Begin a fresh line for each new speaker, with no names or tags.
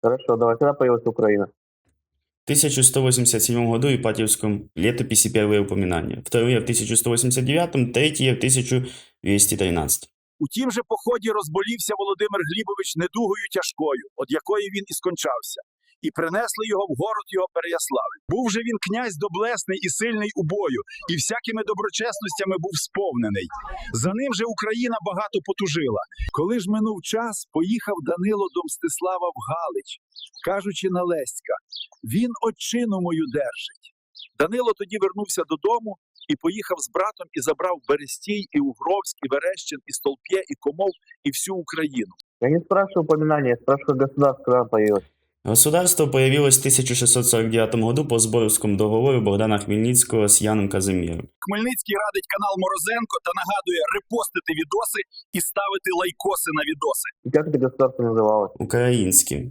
Хорошо, давай, когда появилась Украина?
В 1187 году в Ипатьевском летописи первые упоминания, вторые в 1189, третьи в 1213.
У тім же поході розболівся Володимир Глібович недугою тяжкою, од якої він і скончався, і принесли його в город його Переяславль. Був же він князь доблесний і сильний у бою, і всякими доброчесностями був сповнений. За ним же Україна багато потужила. Коли ж минув час, поїхав Данило до Мстислава в Галич, кажучи на Леська: він отчину мою держить. Данило тоді вернувся додому і поїхав з братом і забрав Берестій, і Угровськ, і Верещин, і Столп'є, і Комов, і всю Україну.
Я не спрашиваю упоминания, я спрашиваю государство, когда появилось.
Государство появилось в 1649 году по Зборівському договору Богдана Хмельницького з Яном Казиміром.
Хмельницький радить канал Морозенко та нагадує репостити відоси і ставити лайкоси на відоси.
И как это государство называлось?
Українським.